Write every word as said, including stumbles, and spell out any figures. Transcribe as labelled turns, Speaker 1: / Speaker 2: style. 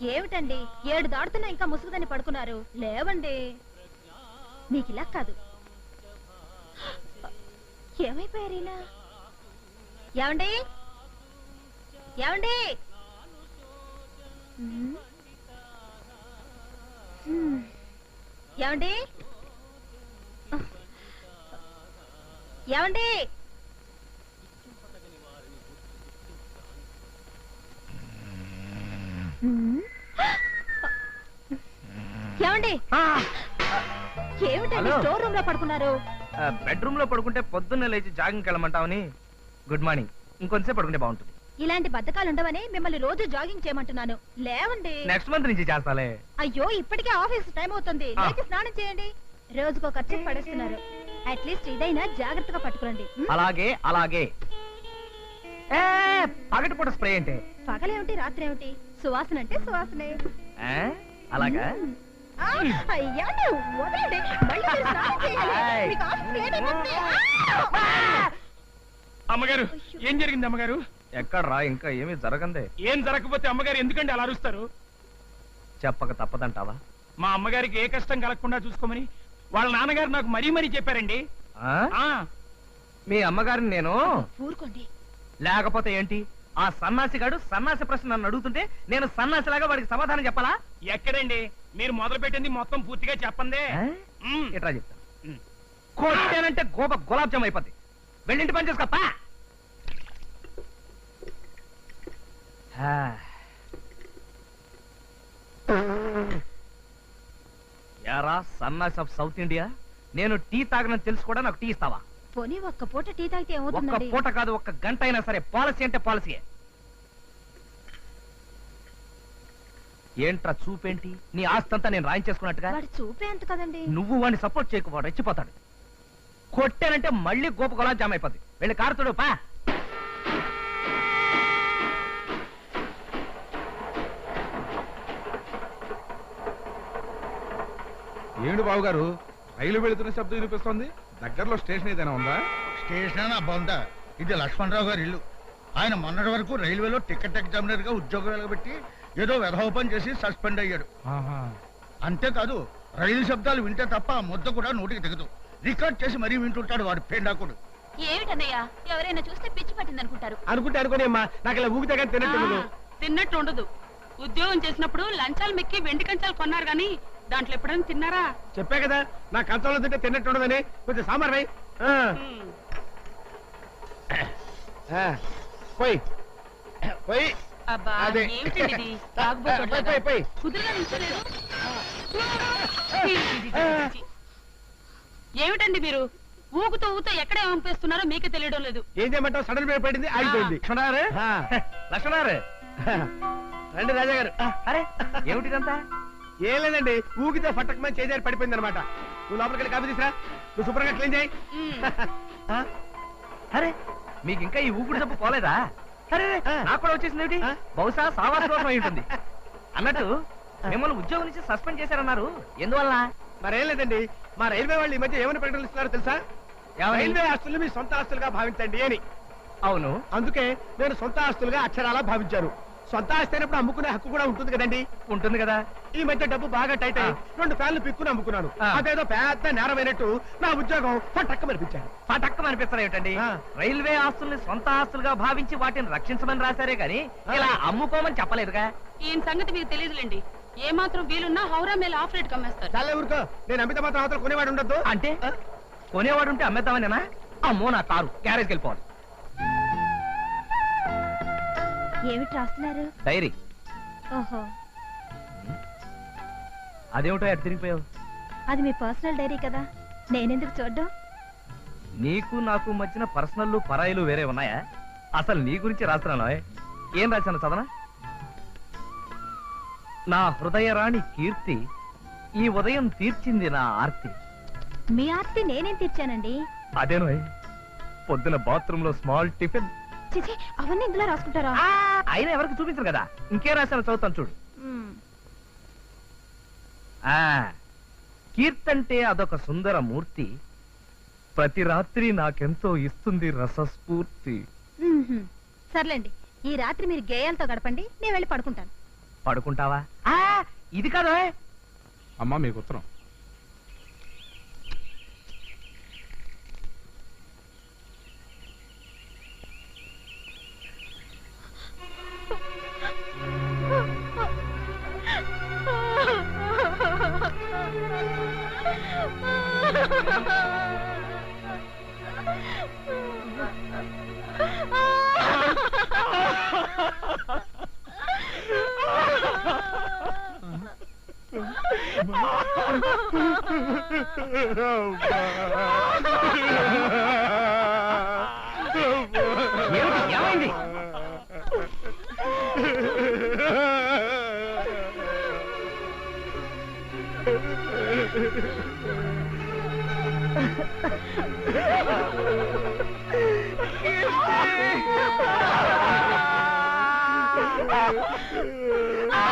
Speaker 1: ఏమిటండి ఏడు దాడుతున్నా ఇంకా ముసుగుదని పడుకున్నారు? లేవండి. మీకు ఇలా కాదు. ఏమైపోయారు ఇలా? ఏమండి ఏమండి ఏమండి ఏమండి ఏమండి ఏమిటండి స్టోర్ రూమ్ లో పడుకున్నారు?
Speaker 2: బెడ్రూమ్ లో పడుకుంటే పొద్దున్నే లేచి జాగింగ్కి వెళ్ళమంటావని. Good morning. ఇంకొంచెం పడుకుంటే బాగుంటుంది.
Speaker 1: ఇలాంటి బద్ధకాలు ఉండవని మిమ్మల్ని రోజు జాగింగ్ చేయమంటున్నాను. లేవండి.
Speaker 2: నెక్స్ట్ మంత్ నుంచి చేస్తాలే.
Speaker 1: అయ్యో ఇప్పటికే ఆఫీస్ టైం అవుతుంది. లేచి స్నానం చేయండి. రోజుకో ఖర్చు పడేస్తున్నారు. అట్లీస్ట్ ఇదైనా జాగ్రత్తగా పట్టుకోండి.
Speaker 2: అలాగే అలాగే. పగటిపూట స్ప్రే అంటే
Speaker 1: పగలేమిటి రాత్రి ఏమిటి? సువాసన అంటే సువాసనే.
Speaker 2: అలాగా?
Speaker 3: అమ్మగారు ఏం జరిగింది అమ్మగారు?
Speaker 2: ఎక్కడ్రా? ఇంకా ఏమీ జరగందే.
Speaker 3: ఏం జరగకపోతే అమ్మగారు ఎందుకంటే అలా అరుస్తారు?
Speaker 2: చెప్పక తప్పదంటావా?
Speaker 3: మా అమ్మగారికి ఏ కష్టం కలగకుండా చూసుకోమని వాళ్ళ నాన్నగారు నాకు మరీ మరీ చెప్పారండి.
Speaker 2: మీ అమ్మగారిని నేను
Speaker 1: ఊరుకోండి.
Speaker 2: లేకపోతే ఏంటి? ఆ సన్నాసిగాడు సన్నాసి ప్రశ్న నన్ను అడుగుతుంటే నేను సన్నాసిలాగా వాడికి సమాధానం చెప్పాలా?
Speaker 3: ఎక్కడండి? మీరు మొదలు పెట్టింది మొత్తం పూర్తిగా చెప్పందే.
Speaker 2: ఎట్లా చెప్తా? కొట్టానంటే గోప గులాబ్ జామ్ అయిపోద్ది. వెళ్ళింటి పని చేసుకోపా. యారా సన్నాసి ఆఫ్ సౌత్ ఇండియా, నేను టీ తాగనని తెలుసు కూడా నాకు టీ ఇస్తావా?
Speaker 1: పోనీ ఒక్క పూట టీ తాగితే ఏమవుతుంది?
Speaker 2: ఒక్క పూట కాదు, ఒక్క గంట అయినా సరే. పాలసీ అంటే పాలసీయే. ఏంట్రా చూపేంటి? నీ ఆస్తంతా నేను రాయించేసుకున్నట్టుగా.
Speaker 1: వాడి చూపే అంత కదండి.
Speaker 2: నువ్వు వాడిని సపోర్ట్ చేయకు, వాడు రెచ్చిపోతాడు. కొట్టానంటే మళ్ళీ గోప గులాబ్ జామ్ అయిపోద్ది. వెళ్ళి కారుతుడు పా.
Speaker 4: ఏమిటి బాబు గారు, రైలు వెళుతున్న శబ్దం వినిపిస్తోంది? దగ్గరలో స్టేషన్ ఏదైనా ఉందా?
Speaker 5: స్టేషన్ అబ్బా, ఇది లక్ష్మణరావు గారి ఇల్లు. ఆయన మొన్నటి వరకు రైల్వేలో టికెట్ ఎగ్జామినర్ గా ఉద్యోగం వెలగబెట్టి ఏదో వెధోపం చేసి సస్పెండ్ అయ్యాడు. అంతేకాదు, రైలు శబ్దాలు వింటే తప్ప ఆ ముద్ద కూడా నోటికి దిగదు. రికార్డ్ చేసి మరీ వింటుంటాడు వాడు పేండాకుడు.
Speaker 1: ఏమిటన్నయ్యా, ఎవరైనా చూస్తే పిచ్చి పట్టింది అనుకుంటారు.
Speaker 3: అనుకుంటే అనుకోని అమ్మా, నాకు ఇలా ఊగితే కానీ తిన్నట్టు
Speaker 6: తిన్నట్టు ఉండదు. ఉద్యోగం చేసినప్పుడు లంచాలు మెక్కి వెండి కంచాలు కొన్నారు గాని దాంట్లో ఎప్పుడైనా తిన్నారా?
Speaker 3: చెప్పా కదా, నా కంచంలో తింటే తిన్నట్టు ఉండదని. కొంచెం సాంబార్ వై. పోయి పోయి
Speaker 6: అబ్బా
Speaker 3: అదే.
Speaker 6: ఏమిటండి ఇది? తాగుబోతులాగా. కుదురుగా నిల్చోలేదు. ఏమిటండి మీరు ఊగుతూ ఊగుతూ ఎక్కడ పంపిస్తున్నారో మీకే తెలియడం లేదు.
Speaker 3: ఏం చేయమంటావు? సడన్ బ్రేక్ పడింది, ఆగిపోయింది.
Speaker 2: లక్ష్మణారు, లక్ష్మణారు
Speaker 3: రండి రాజా గారు.
Speaker 2: అరే ఏమిటిదంతా?
Speaker 3: ఏం లేదండి, ఊగితే ఫట్టకమని చేజారి పడిపోయింది అనమాట. నువ్వు లోపలికి వెళ్ళి కాఫీ తీసురా. నువ్వు శుభ్రంగా క్లీన్ చేయి.
Speaker 2: అరే మీకు ఇంకా ఈ ఊపిరి జబ్బు పోలేదా? అరే నాకు కూడా వచ్చేసింది ఏమిటి? బహుశా సావాస దోషం అయి ఉంటుంది. అన్నట్టు మిమ్మల్ని ఉద్యోగం నుంచి సస్పెండ్ చేశారన్నారు, ఎందువల్ల?
Speaker 3: మరేం లేదండి, మా రైల్వే వాళ్ళు ఈ మధ్య ఏమని ప్రకటనలు ఇస్తున్నారో తెలుసా? రైల్వే ఆస్తులు మీ సొంత ఆస్తులుగా భావించండి అని.
Speaker 2: అవును,
Speaker 3: అందుకే నేను సొంత ఆస్తులుగా అక్షరాలా భావించారు. సొంత ఆస్తి అయినప్పుడు అమ్ముకునే హక్కు కూడా ఉంటుంది కదండి.
Speaker 2: ఉంటుంది కదా.
Speaker 3: ఈ మధ్య డబ్బు బాగా టైట్ అయ్యి రెండు ఫ్యాన్లు పిక్కుని అమ్ముకున్నాను. అదేదో పెద్ద నేరమైనట్టు నా ఉద్యోగం పటక్క మనిపించాను.
Speaker 2: పటక్క అనిపిస్తారు ఏమిటండి? రైల్వే ఆస్తుల్ని సొంత ఆస్తులుగా భావించి వాటిని రక్షించమని రాశారే గాని ఇలా అమ్ముకోమని చెప్పలేదుగా.
Speaker 6: ఈయన సంగతి మీకు తెలియదులేండి. ఏ మాత్రం వీలున్నా హౌరా మేల ఆఫ్ రేట్ కమ్మేస్తారు.
Speaker 3: చాలా ఊరుకో, నేను అమిత మాత్రం అవతల కొనేవాడు ఉండద్దు.
Speaker 2: అంటే కొనేవాడు ఉంటే అమ్మేద్దామనేనా? అమ్మో నా కారు గ్యారేజ్కి వెళ్ళిపోవాలి.
Speaker 1: ఏమిటి రాస్తున్నారు?
Speaker 2: డైరీ.
Speaker 1: ఓహో,
Speaker 2: అదేమిటో ఎటు తిరిగిపోయావు?
Speaker 1: అది మీ పర్సనల్ డైరీ కదా, నేనెందుకు చూడ్డం?
Speaker 2: నీకు నాకు మధ్యన పర్సనల్ పరాయిలు వేరే ఉన్నాయా? అసలు నీ గురించి రాస్తున్నాను. ఏం రాశాను చదవనా? నా హృదయరాణి కీర్తి ఈ ఉదయం తీర్చింది నా ఆర్తి.
Speaker 1: మీ ఆర్తి నేనేం తీర్చానండి?
Speaker 2: అదేనో పొద్దున బాత్రూమ్ లో స్మాల్ టిఫిన్.
Speaker 1: చిచి, అవన్నీ ఇందులో రాసుకుంటారా?
Speaker 2: అయినా ఎవరికి చూపించరు కదా, ఇంకేం రాశాను చదువుతాను చూడు. ఆ కీర్తంటే అదొక సుందర మూర్తి, ప్రతి రాత్రి నాకెంతో ఇస్తుంది రసస్ఫూర్తి.
Speaker 1: సర్లేండి, ఈ రాత్రి మీరు గేయాలతో గడపండి, నేను వెళ్ళి పడుకుంటాను.
Speaker 2: పడుకుంటావా? ఆ, ఇది కాదు.
Speaker 4: అమ్మా మీకు ఉత్తరం.
Speaker 2: ఏమైంది? ఆ